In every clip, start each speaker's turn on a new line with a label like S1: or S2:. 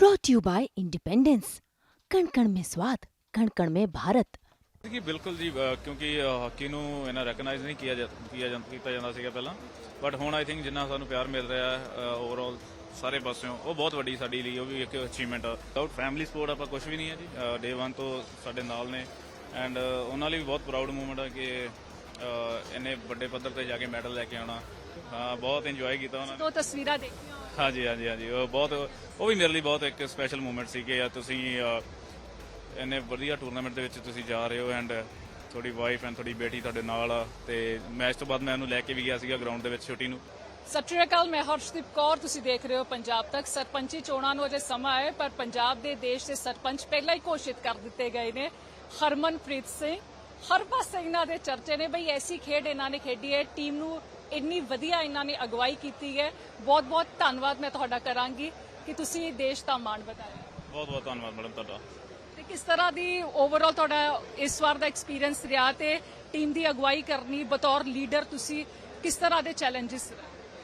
S1: brought to you by independence. कण कण में स्वाद, कण कण में भारत।
S2: ਕਿ ਬਿਲਕੁਲ ਜੀ ਕਿਉਂਕਿ ਹਾਕੀ ਨੂੰ ਇਹਨਾਂ ਰੈਕਗਨਾਈਜ਼ ਨਹੀਂ ਕੀਤਾ ਜਾਂਦਾ ਸੀਗਾ ਪਹਿਲਾਂ, ਬਟ ਹੁਣ ਆਈ ਥਿੰਕ ਜਿੰਨਾ ਸਾਨੂੰ ਪਿਆਰ ਮਿਲ ਰਿਹਾ ਹੈ ਓਵਰਆਲ ਸਾਰੇ ਪਾਸਿਓਂ, ਉਹ ਬਹੁਤ ਵੱਡੀ ਸਾਡੇ ਲਈ ਉਹ ਵੀ ਇੱਕ ਅਚੀਵਮੈਂਟ ਆ। ਵਿਦਆਊਟ ਫੈਮਿਲੀ ਸਪੋਰਟ ਆਪਾਂ ਕੁਝ ਵੀ ਨਹੀਂ ਹੈ ਜੀ। ਡੇ 1 ਤੋਂ ਸਾਡੇ ਨਾਲ ਨੇ ਐਂਡ ਉਹਨਾਂ ਲਈ ਵੀ ਬਹੁਤ ਪ੍ਰਾਊਡ ਮੂਮੈਂਟ ਆ ਕਿ ਇੰਨੇ ਵੱਡੇ ਪੱਧਰ ਤੇ ਜਾ ਕੇ ਮੈਡਲ ਲੈ ਕੇ ਆਉਣਾ। ਬਹੁਤ ਇੰਜੋਏ ਕੀਤਾ ਉਹਨਾਂ ਨੇ।
S3: ਦੋ ਤਸਵੀਰਾਂ ਦੇਖੀਆਂ।
S2: ਹਾਂਜੀ ਉਹ ਬਹੁਤ, ਉਹ ਵੀ ਮੇਰੇ ਲਈ ਬਹੁਤ ਇੱਕ ਸਪੈਸ਼ਲ ਮੂਮੈਂਟ ਸੀ ਕਿ ਤੁਸੀਂ ਇੰਨੇ ਵਧੀਆ ਟੂਰਨਾਮੈਂਟ ਦੇ ਵਿੱਚ ਤੁਸੀਂ ਜਾ ਰਹੇ ਹੋ ਐਂਡ ਤੁਹਾਡੀ ਵਾਈਫ ਐਂਡ ਤੁਹਾਡੀ ਬੇਟੀ ਤੁਹਾਡੇ ਨਾਲ ਆ। ਤੇ ਮੈਚ ਤੋਂ ਬਾਅਦ ਮੈਂ ਉਹਨੂੰ ਲੈ ਕੇ ਵੀ ਗਿਆ ਸੀਗਾ ਗਰਾਊਂਡ ਦੇ ਵਿੱਚ ਛੋਟੀ ਨੂੰ।
S3: ਸਤਿ ਸ਼੍ਰੀ ਅਕਾਲ, ਮੈਂ ਹਰਸ਼ਦੀਪ ਕੌਰ, ਤੁਸੀਂ ਦੇਖ ਰਹੇ ਹੋ ਪੰਜਾਬ ਤੱਕ। ਸਰਪੰਚੀ ਚੋਣਾਂ ਨੂੰ ਅਜੇ ਸਮਾਂ ਹੈ, ਪਰ ਪੰਜਾਬ ਦੇ ਦੇਸ਼ ਦੇ ਸਰਪੰਚ ਪਹਿਲਾਂ ਹੀ ਘੋਸ਼ਿਤ ਕਰ ਦਿੱਤੇ ਗਏ ਨੇ। ਹਰਮਨਪ੍ਰੀਤ ਸਿੰਘ, ਹਰ ਪਾਸੇ ਇਹਨਾਂ ਦੇ ਚਰਚੇ ਨੇ ਬਈ ਐਸੀ ਖੇਡ ਇਹਨਾਂ ਨੇ ਖੇਡੀ ਹੈ, ਟੀਮ ਨੂੰ ਇੰਨੀ ਵਧੀਆ ਇਹਨਾਂ ਨੇ ਅਗਵਾਈ ਕੀਤੀ ਹੈ। ਬਹੁਤ ਬਹੁਤ ਧੰਨਵਾਦ ਮੈਂ ਤੁਹਾਡਾ ਕਰਾਂਗੀ ਕਿ ਤੁਸੀਂ ਦੇਸ਼ ਦਾ ਮਾਣ ਵਧਾਇਆ।
S2: ਬਹੁਤ ਬਹੁਤ ਧੰਨਵਾਦ ਮੈਡਮ ਤੁਹਾਡਾ।
S3: ਤੇ ਕਿਸ ਤਰ੍ਹਾਂ ਦੀ ਓਵਰਆਲ ਤੁਹਾਡਾ ਇਸ ਵਾਰ ਦਾ ਐਕਸਪੀਰੀਅੰਸ ਰਿਹਾ ਤੇ ਟੀਮ ਦੀ ਅਗਵਾਈ ਕਰਨੀ ਬਤੌਰ ਲੀਡਰ, ਤੁਸੀਂ ਕਿਸ ਤਰ੍ਹਾਂ ਦੇ ਚੈਲੰਜਸ?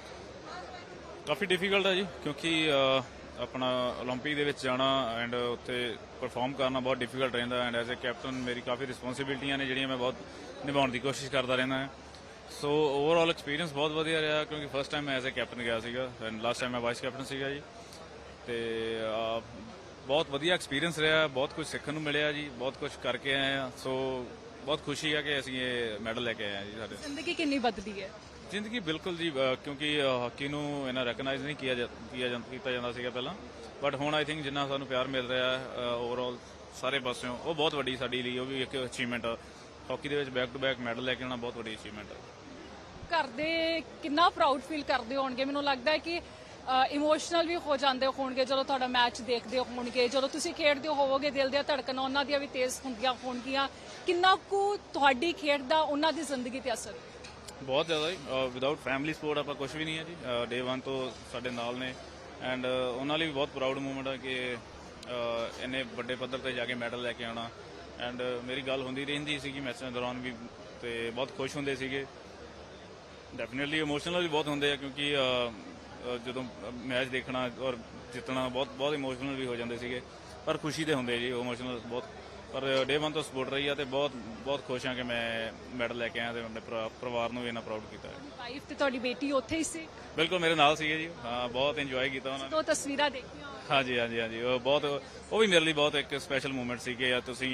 S2: ਕਾਫੀ ਡਿਫਿਕਲਟ ਹੈ ਜੀ, ਕਿਉਂਕਿ ਆਪਣਾ ਓਲੰਪਿਕ ਦੇ ਵਿੱਚ ਜਾਣਾ ਐਂਡ ਉੱਥੇ ਪਰਫਾਰਮ ਕਰਨਾ ਬਹੁਤ ਡਿਫਿਕਲਟ ਰਹਿੰਦਾ ਐਂਡ ਐਜ਼ ਅ ਕੈਪਟਨ ਮੇਰੀ ਕਾਫੀ ਰਿਸਪੌਂਸਿਬਿਲਟੀਆਂ ਨੇ ਜਿਹੜੀਆਂ ਮੈਂ ਬਹੁਤ ਨਿਭਾਉਣ ਦੀ ਕੋਸ਼ਿਸ਼ ਕਰਦਾ ਰਹਿੰਦਾ ਹਾਂ। ਸੋ ਓਵਰਆਲ ਐਕਸਪੀਰੀਅੰਸ ਬਹੁਤ ਵਧੀਆ ਰਿਹਾ, ਕਿਉਂਕਿ ਫਸਟ ਟਾਈਮ ਮੈਂ ਐਜ਼ ਅ ਕੈਪਟਨ ਗਿਆ ਸੀਗਾ ਐਂਡ ਲਾਸਟ ਟਾਈਮ ਮੈਂ ਵਾਈਸ ਕੈਪਟਨ ਸੀਗਾ ਜੀ। ਤੇ ਬਹੁਤ ਵਧੀਆ ਐਕਸਪੀਰੀਅੰਸ ਰਿਹਾ, ਬਹੁਤ ਕੁਝ ਸਿੱਖਣ ਨੂੰ ਮਿਲਿਆ ਜੀ, ਬਹੁਤ ਕੁਝ ਕਰਕੇ ਆਏ ਆ। ਸੋ ਬਹੁਤ ਖੁਸ਼ੀ ਆ ਕਿ ਅਸੀਂ ਇਹ ਮੈਡਲ ਲੈ ਕੇ ਆਏ ਆ ਜੀ। ਸਾਡੇ
S3: ਜ਼ਿੰਦਗੀ ਕਿੰਨੀ ਬਦਲੀ ਹੈ?
S2: ਜ਼ਿੰਦਗੀ ਬਿਲਕੁਲ ਜੀ, ਕਿਉਂਕਿ ਹਾਕੀ ਨੂੰ ਇਹਨਾਂ ਰੈਕਗਨਾਈਜ਼ ਨਹੀਂ ਕੀਤਾ ਜਾਂਦਾ ਸੀਗਾ ਪਹਿਲਾਂ, ਬਟ ਹੁਣ ਆਈ ਥਿੰਕ ਜਿੰਨਾ ਸਾਨੂੰ ਪਿਆਰ ਮਿਲ ਰਿਹਾ ਹੈ ਓਵਰਆਲ ਸਾਰੇ ਪਾਸਿਓਂ, ਉਹ ਬਹੁਤ ਵੱਡੀ ਸਾਡੇ ਲਈ ਉਹ ਵੀ ਇੱਕ ਅਚੀਵਮੈਂਟ ਆ। ਹਾਕੀ ਦੇ ਵਿੱਚ ਬੈਕ ਟੂ ਬੈਕ ਮੈਡਲ ਲੈ ਕੇ ਆਉਣਾ ਬਹੁਤ ਵੱਡੀ ਅਚੀਵਮੈਂਟ ਆ।
S3: ਘਰ ਦੇ ਕਿੰਨਾ ਪ੍ਰਾਊਡ ਫੀਲ ਕਰਦੇ ਹੋਣਗੇ? ਮੈਨੂੰ ਲੱਗਦਾ ਹੈ ਕਿ ਇਮੋਸ਼ਨਲ ਵੀ ਹੋ ਜਾਂਦੇ ਹੋਣਗੇ ਜਦੋਂ ਤੁਹਾਡਾ ਮੈਚ ਦੇਖਦੇ ਹੋਣਗੇ, ਜਦੋਂ ਤੁਸੀਂ ਖੇਡਦੇ ਹੋਵੋਗੇ, ਦਿਲ ਦੀਆਂ ਧੜਕਣਾਂ ਉਹਨਾਂ ਦੀਆਂ ਵੀ ਤੇਜ਼ ਹੁੰਦੀਆਂ ਹੋਣਗੀਆਂ। ਕਿੰਨਾ ਕੁ ਤੁਹਾਡੀ ਖੇਡ ਦਾ ਉਹਨਾਂ ਦੀ ਜ਼ਿੰਦਗੀ ਤੇ ਅਸਰ?
S2: ਬਹੁਤ ਜ਼ਿਆਦਾ ਜੀ। ਵਿਦਆਊਟ ਫੈਮਿਲੀ ਸਪੋਰਟ ਆਪਾਂ ਕੁਝ ਵੀ ਨਹੀਂ ਹੈ ਜੀ। ਡੇ 1 ਤੋਂ ਸਾਡੇ ਨਾਲ ਨੇ ਐਂਡ ਉਹਨਾਂ ਲਈ ਵੀ ਬਹੁਤ ਪ੍ਰਾਊਡ ਮੂਮੈਂਟ ਆ ਕਿ ਇੰਨੇ ਵੱਡੇ ਪੱਧਰ ਤੇ ਜਾ ਕੇ ਮੈਡਲ ਲੈ ਕੇ ਆਉਣਾ। ਐਂਡ ਮੇਰੀ ਗੱਲ ਹੁੰਦੀ ਰਹਿੰਦੀ ਸੀਗੀ ਮੈਚਾਂ ਦੌਰਾਨ ਵੀ, ਤੇ ਬਹੁਤ ਖੁਸ਼ ਹੁੰਦੇ ਸੀਗੇ। ਡੈਫੀਨੇਟਲੀ ਇਮੋਸ਼ਨਲ ਵੀ ਬਹੁਤ ਹੁੰਦੇ ਆ, ਕਿਉਂਕਿ ਜਦੋਂ ਮੈਚ ਦੇਖਣਾ ਔਰ ਜਿੱਤਣਾ ਬਹੁਤ ਇਮੋਸ਼ਨਲ ਵੀ ਹੋ ਜਾਂਦੇ ਸੀਗੇ, ਪਰ ਖੁਸ਼ੀ ਦੇ ਹੁੰਦੇ ਜੀ ਇਮੋਸ਼ਨਲ ਬਹੁਤ। ਪਰ ਡੇ 1 ਤੋਂ ਸਪੋਰਟ ਰਹੀ ਆ ਤੇ ਬਹੁਤ ਖੁਸ਼ ਹਾਂ ਕਿ ਮੈਂ ਮੈਡਲ ਲੈ ਕੇ ਆਇਆ ਤੇ ਆਪਣੇ ਪਰਿਵਾਰ ਨੂੰ ਵੀ ਇੰਨਾ ਪ੍ਰਾਊਡ ਕੀਤਾ ਹੈ।
S3: ਵਾਈਫ ਤੇ ਤੁਹਾਡੀ ਬੇਟੀ ਉੱਥੇ ਹੀ ਸੀ?
S2: ਬਿਲਕੁਲ ਮੇਰੇ ਨਾਲ ਸੀਗੇ ਜੀ। ਹਾਂ, ਬਹੁਤ ਇੰਜੋਏ ਕੀਤਾ ਉਹਨਾਂ ਨੇ।
S3: ਦੋ ਤਸਵੀਰਾਂ ਦੇਖੀਆਂ।
S2: ਹਾਂਜੀ ਉਹ ਬਹੁਤ, ਉਹ ਵੀ ਮੇਰੇ ਲਈ ਬਹੁਤ ਇੱਕ ਸਪੈਸ਼ਲ ਮੂਮੈਂਟ ਸੀ ਕਿ ਤੁਸੀਂ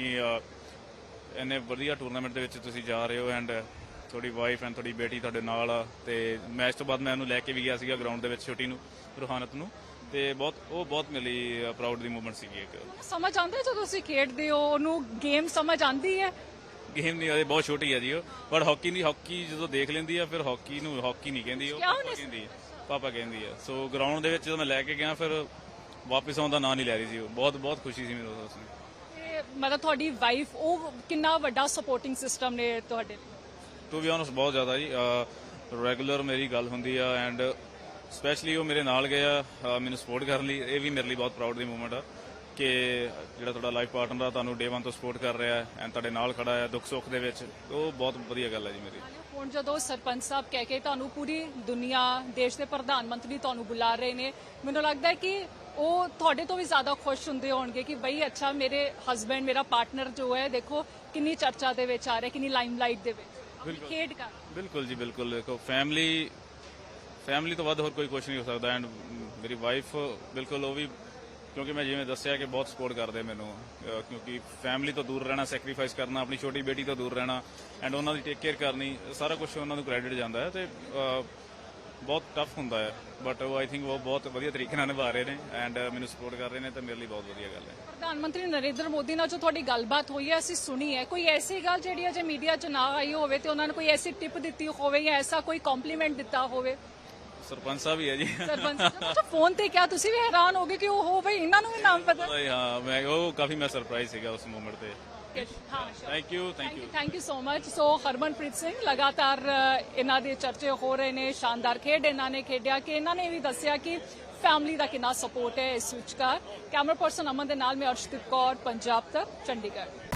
S2: ਇੰਨੇ ਵਧੀਆ ਟੂਰਨਾਮੈਂਟ ਦੇ ਵਿੱਚ ਤੁਸੀਂ ਜਾ ਰਹੇ ਹੋ ਐਂਡ ਤੁਹਾਡੀ ਵਾਈਫ ਐਂਡ ਤੁਹਾਡੀ ਬੇਟੀ ਤੁਹਾਡੇ ਨਾਲ ਆ। ਤੇ ਮੈਚ ਤੋਂ ਬਾਅਦ ਮੈਂ ਉਹਨੂੰ ਲੈ ਕੇ ਵੀ ਗਿਆ ਸੀਗਾ ਗਰਾਊਂਡ ਦੇ ਵਿੱਚ ਛੋਟੀ ਨੂੰ, ਰੂਹਾਨਤ ਨੂੰ। ਤੇ ਬਹੁਤ ਮੇਰੇ ਲਈ ਪ੍ਰਾਊਡ ਦੀ ਮੂਮੈਂਟ ਸੀਗੀ ਇੱਕ।
S3: ਸਮਝ ਆਉਂਦਾ ਜਦੋਂ ਤੁਸੀਂ ਖੇਡਦੇ ਹੋ, ਉਹਨੂੰ ਗੇਮ ਸਮਝ ਆਉਂਦੀ ਹੈ?
S2: ਗੇਮ ਨਹੀਂ, ਅਜੇ ਬਹੁਤ ਛੋਟੀ ਹੈ ਜੀ ਉਹ, ਬਟ ਹਾਕੀ ਜਦੋਂ ਦੇਖ ਲੈਂਦੀ ਆ ਫਿਰ ਹਾਕੀ ਨੂੰ ਹਾਕੀ ਨਹੀਂ ਕਹਿੰਦੀ, ਉਹ ਪਾਪਾ ਕਹਿੰਦੀ ਆ। ਸੋ ਗਰਾਊਂਡ ਦੇ ਵਿੱਚ ਜਦੋਂ ਮੈਂ ਲੈ ਕੇ ਗਿਆ ਫਿਰ ਵਾਪਸ ਆਉਣ ਦਾ ਨਾਂ ਨਹੀਂ ਲੈ ਰਹੀ ਸੀ ਉਹ। ਬਹੁਤ ਖੁਸ਼ੀ ਸੀ ਮੈਨੂੰ ਉਸ ਨੂੰ।
S3: ਮਤਲਬ ਤੁਹਾਡੀ ਵਾਈਫ, ਉਹ ਕਿੰਨਾ ਵੱਡਾ ਸਪੋਰਟਿੰਗ ਸਿਸਟਮ ਨੇ ਤੁਹਾਡੇ ਲਈ?
S2: ਟੂ ਬੀ ਆਨੈਸਟ ਬਹੁਤ ਜ਼ਿਆਦਾ ਜੀ। ਰੈਗੂਲਰ ਮੇਰੀ ਗੱਲ ਹੁੰਦੀ ਆ ਐਂਡ ਸਪੈਸ਼ਲੀ ਉਹ ਮੇਰੇ ਨਾਲ ਗਏ ਆ ਮੈਨੂੰ ਸਪੋਰਟ ਕਰਨ ਲਈ। ਇਹ ਵੀ ਮੇਰੇ ਲਈ ਬਹੁਤ ਪ੍ਰਾਊਡ ਦੀ ਮੂਮੈਂਟ ਆ ਕਿ ਜਿਹੜਾ ਤੁਹਾਡਾ ਲਾਈਫ ਪਾਰਟਨਰ ਆ ਤੁਹਾਨੂੰ ਡੇ 1 ਤੋਂ ਸਪੋਰਟ ਕਰ ਰਿਹਾ ਹੈ ਐਂਡ ਤੁਹਾਡੇ ਨਾਲ ਖੜਾ ਹੈ ਦੁੱਖ ਸੁੱਖ ਦੇ ਵਿੱਚ। ਉਹ ਬਹੁਤ ਵਧੀਆ ਗੱਲ ਹੈ ਜੀ ਮੇਰੀ।
S3: ਹੁਣ ਜਦੋਂ ਸਰਪੰਚ ਸਾਹਿਬ ਕਹਿ ਕੇ ਤੁਹਾਨੂੰ ਪੂਰੀ ਦੁਨੀਆ, ਦੇਸ਼ ਦੇ ਪ੍ਰਧਾਨ ਮੰਤਰੀ ਤੁਹਾਨੂੰ ਬੁਲਾ ਰਹੇ ਨੇ, ਮੈਨੂੰ ਲੱਗਦਾ ਹੈ ਕਿ ਉਹ ਤੁਹਾਡੇ ਤੋਂ ਵੀ ਜ਼ਿਆਦਾ ਖੁਸ਼ ਹੁੰਦੇ ਹੋਣਗੇ ਕਿ ਬਈ ਅੱਛਾ, ਮੇਰੇ ਹਸਬੈਂਡ, ਮੇਰਾ ਪਾਰਟਨਰ ਜੋ ਹੈ, ਦੇਖੋ ਕਿੰਨੀ ਚਰਚਾ ਦੇ ਵਿੱਚ ਆ ਰਿਹਾ, ਕਿੰਨੀ ਲਾਈਮਲਾਈਟ ਦੇ ਵਿੱਚ ਖੇਡ ਕਰ। ਬਿਲਕੁਲ
S2: ਜੀ ਬਿਲਕੁਲ। ਦੇਖੋ ਫੈਮਿਲੀ ਤੋਂ ਵੱਧ ਹੋਰ ਕੋਈ ਕੁਝ ਨਹੀਂ ਹੋ ਸਕਦਾ ਐਂਡ ਮੇਰੀ ਵਾਈਫ ਬਿਲਕੁਲ, ਉਹ ਵੀ, ਕਿਉਂਕਿ ਮੈਂ ਜਿਵੇਂ ਦੱਸਿਆ ਕਿ ਬਹੁਤ ਸਪੋਰਟ ਕਰਦੇ ਮੈਨੂੰ, ਕਿਉਂਕਿ ਫੈਮਿਲੀ ਤੋਂ ਦੂਰ ਰਹਿਣਾ, ਸੈਕਰੀਫਾਈਸ ਕਰਨਾ, ਆਪਣੀ ਛੋਟੀ ਬੇਟੀ ਤੋਂ ਦੂਰ ਰਹਿਣਾ ਐਂਡ ਉਹਨਾਂ ਦੀ ਟੇਕ ਕੇਅਰ ਕਰਨੀ, ਸਾਰਾ ਕੁਝ ਉਹਨਾਂ ਨੂੰ ਕ੍ਰੈਡਿਟ ਜਾਂਦਾ ਹੈ। ਤੇ ਬਹੁਤ ਟਫ ਹੁੰਦਾ ਹੈ, ਬਟ ਉਹ ਆਈ ਥਿੰਕ ਉਹ ਬਹੁਤ ਵਧੀਆ ਤਰੀਕੇ ਨਾਲ ਨਿਭਾ ਰਹੇ ਨੇ ਐਂਡ ਮੈਨੂੰ ਸਪੋਰਟ ਕਰ ਰਹੇ ਨੇ, ਤਾਂ ਮੇਰੇ ਲਈ ਬਹੁਤ ਵਧੀਆ ਗੱਲ ਹੈ।
S3: ਪ੍ਰਧਾਨ ਮੰਤਰੀ ਨਰਿੰਦਰ ਮੋਦੀ ਨਾਲ ਜੋ ਤੁਹਾਡੀ ਗੱਲਬਾਤ ਹੋਈ ਹੈ, ਅਸੀਂ ਸੁਣੀ ਹੈ, ਕੋਈ ਐਸੀ ਗੱਲ ਜਿਹੜੀ ਅਜੇ ਮੀਡੀਆ 'ਚ ਨਾ ਆਈ ਹੋਵੇ ਤੇ ਉਹਨਾਂ ਨੇ ਕੋਈ ਐਸੀ ਟਿਪ ਦਿੱਤੀ ਹੋਵੇ ਜਾਂ ਐਸਾ ਕੋਈ ਕੰਪਲੀਮੈਂਟ ਦਿੱਤਾ ਹੋਵੇ?
S2: ਸਰਪੰਚ ਸਾਹਿਬ ਹੀ ਹੈ ਜੀ।
S3: ਸਰਪੰਚ ਸਾਹਿਬ ਫੋਨ ਤੇ ਕਿਹਾ, ਤੁਸੀਂ ਵੀ ਹੈਰਾਨ ਹੋ ਗਏ ਕਿ ਉਹ ਬਈ ਇਹਨਾਂ ਨੂੰ ਵੀ ਨਾਮ ਪਤਾ?
S2: ਹਾਂ, ਮੈਂ ਸਰਪ੍ਰਾਈਜ਼ ਸੀਗਾ ਉਸ ਮੂਮੈਂਟ ਤੇ। Thank you
S3: so much. So Harmanpreet Singh, ਲਗਾਤਾਰ ਇਹਨਾਂ ਦੇ ਚਰਚੇ ਹੋ ਰਹੇ ਨੇ, ਸ਼ਾਨਦਾਰ ਖੇਡ ਇਹਨਾਂ ਨੇ ਖੇਡਿਆ, ਕਿ ਇਹਨਾਂ ਨੇ ਵੀ ਦੱਸਿਆ ਕਿ ਫੈਮਿਲੀ ਦਾ ਕਿੰਨਾ ਸਪੋਰਟ ਹੈ ਇਸ ਵਿਚਕਾਰ। ਕੈਮਰਾ ਪਰਸਨ ਅਮਨ ਦੇ ਨਾਲ ਮੈਂ ਅਰਸ਼ਦੀਪ ਕੌਰ, ਪੰਜਾਬ ਤੱਕ, ਚੰਡੀਗੜ੍ਹ।